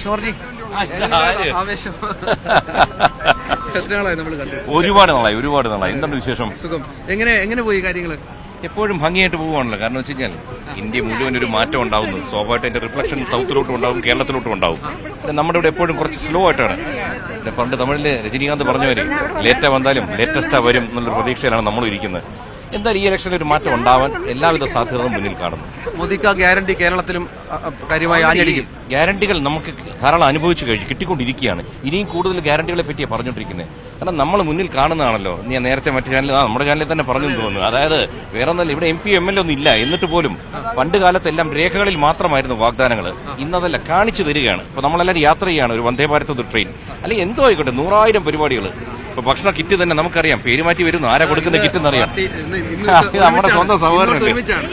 ആവേശം എത്ര നാളായി നമ്മൾ കണ്ടു? ഒരുപാട് നാളായി. എന്താണ് വിശേഷം? സുഖം. എങ്ങനെ പോയി കാര്യങ്ങള്? എപ്പോഴും ഭംഗിയായിട്ട് പോവുകയാണല്ലോ. കാരണം വെച്ച് കഴിഞ്ഞാൽ ഇന്ത്യ മുഴുവൻ ഒരു മാറ്റം ഉണ്ടാവുന്നു. സ്വാഭാവികമായിട്ട് അതിന്റെ റിഫ്ലക്ഷൻ സൗത്തിലോട്ടും ഉണ്ടാവും, കേരളത്തിലോട്ടും ഉണ്ടാവും. നമ്മുടെ ഇവിടെ എപ്പോഴും കുറച്ച് സ്ലോ ആയിട്ടാണ്. പണ്ട് തമിഴില് രജനീകാന്ത് പറഞ്ഞവര് ലേറ്റാ വന്നാലും ലേറ്റസ്റ്റാ വരും എന്നുള്ളൊരു പ്രതീക്ഷയിലാണ് നമ്മൾ ഇരിക്കുന്നത്. എന്തായാലും ഈ ഇലക്ഷനിൽ ഒരു മാറ്റം ഉണ്ടാവാൻ എല്ലാവിധ സാധ്യതകളും മുന്നിൽ കാണുന്നു. മോദിക്ക് ഗ്യാരണ്ടി കേരളത്തിലും കാര്യമായി ആഞ്ഞടിക്കും. ഗ്യാരണ്ടികൾ നമുക്ക് ധാരാളം അനുഭവിച്ചു കഴിഞ്ഞു, കിട്ടിക്കൊണ്ടിരിക്കുകയാണ്. ഇനിയും കൂടുതൽ ഗ്യാരണ്ടികളെ പറ്റിയാണ് പറഞ്ഞുകൊണ്ടിരിക്കുന്നത്. കാരണം നമ്മൾ മുന്നിൽ കാണുന്നതാണല്ലോ. ഞാൻ നേരത്തെ മറ്റു ചാനലിൽ നമ്മുടെ ചാനലിൽ തന്നെ പറഞ്ഞു തോന്നുന്നു. അതായത് വേറെ ഒന്നല്ല, ഇവിടെ MP MLA ഒന്നും ഇല്ല. എന്നിട്ട് പോലും പണ്ട് കാലത്തെല്ലാം രേഖകളിൽ മാത്രമായിരുന്നു വാഗ്ദാനങ്ങൾ. ഇന്നതല്ല, കാണിച്ചു തരികയാണ്. ഇപ്പൊ നമ്മളെല്ലാവരും യാത്ര ചെയ്യാണ് ഒരു വന്ദേ ഭാരത് ട്രെയിൻ, അല്ലെങ്കിൽ എന്തോ ആയിക്കോട്ടെ, 100,000 പരിപാടികൾ. ഇപ്പൊ ഭക്ഷണ കിറ്റ് തന്നെ നമുക്കറിയാം, പേര് മാറ്റി വരുന്നു. ആരാ കൊടുക്കുന്ന കിറ്റ് എന്നറിയാം. നമ്മുടെ സ്വന്തം സഹോദരനല്ലേ.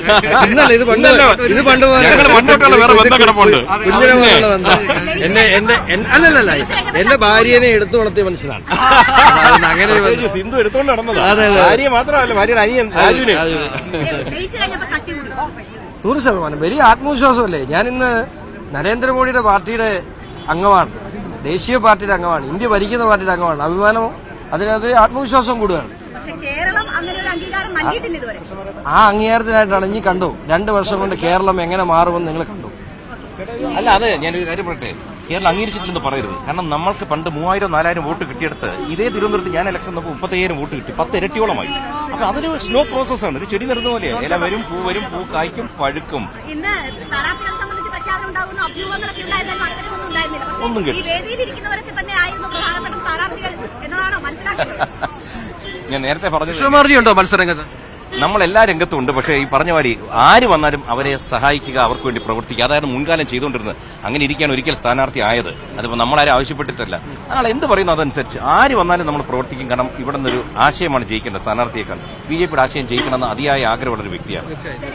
അല്ലല്ല, എന്റെ ഭാര്യനെ എടുത്തു വളർത്തിയ മനസ്സിലാണ്. അങ്ങനെ സിന്ധു എടുത്തോണ്ട് നടന്നത്. ഭാര്യ മാത്രമല്ല, ഭാര്യയുടെ അനിയൻ രാജുവിനെ. 100% വലിയ ആത്മവിശ്വാസമല്ലേ. ഞാനിന്ന് നരേന്ദ്രമോദിയുടെ പാർട്ടിയുടെ അംഗമാണ്, ദേശീയ പാർട്ടിയുടെ അംഗമാണ്, ഇന്ത്യ ഭരിക്കുന്ന പാർട്ടിയുടെ അംഗമാണ്. അഭിമാനവും അതിനകത്ത് ആത്മവിശ്വാസവും കൂടുകയാണ്. ആ അംഗീകാരത്തിനായിട്ടാണ് ഇനി കണ്ടു 2 വർഷം കൊണ്ട് കേരളം എങ്ങനെ മാറുമെന്ന് നിങ്ങൾ കണ്ടു. അല്ല, അത് ഞാനൊരു കാര്യം പറയട്ടെ, കേരളം അംഗീകരിച്ചിട്ടില്ലെന്ന് പറയരുത്. കാരണം നമ്മൾക്ക് പണ്ട് 3000-4000 വോട്ട് കിട്ടിയെടുത്ത് ഇതേ തിരുവനന്തപുരത്ത് ഞാൻ ഇലക്ഷൻ നോക്കുമ്പോൾ 35,000 വോട്ട് കിട്ടി. 10 ഇരട്ടിയോളമായി. അപ്പൊ അതൊരു സ്ലോ പ്രോസസ്സാണ്. ഒരു ചെടി നിറഞ്ഞ പോലെ ഇല വരും, പൂ കായ്ക്കും, പഴുക്കും. ഒന്നും ഞാൻ നേരത്തെ പറഞ്ഞു മത്സരരംഗത്ത് നമ്മൾ എല്ലാ രംഗത്തും ഉണ്ട്. പക്ഷേ ഈ പറഞ്ഞ മാതിരി ആര് വന്നാലും അവരെ സഹായിക്കുക, അവർക്ക് വേണ്ടി പ്രവർത്തിക്കുക, അതായത് മുൻകാലം ചെയ്തുകൊണ്ടിരുന്നത്. അങ്ങനെ ഇരിക്കുകയാണ് ഒരിക്കൽ സ്ഥാനാർത്ഥി ആയത്. അതിപ്പോൾ നമ്മളാരും ആവശ്യപ്പെട്ടിട്ടല്ല. അയാൾ എന്ത് പറയുന്നു അതനുസരിച്ച് ആര് വന്നാലും നമ്മൾ പ്രവർത്തിക്കും. കാരണം ഇവിടെ നിന്നൊരു ആശയമാണ് ജയിക്കേണ്ടത്. സ്ഥാനാർത്ഥിയേക്കാൾ BJPയുടെ ആശയം ജയിക്കണമെന്ന് അതിയായ ആഗ്രഹമുള്ള ഒരു വ്യക്തിയാണ്.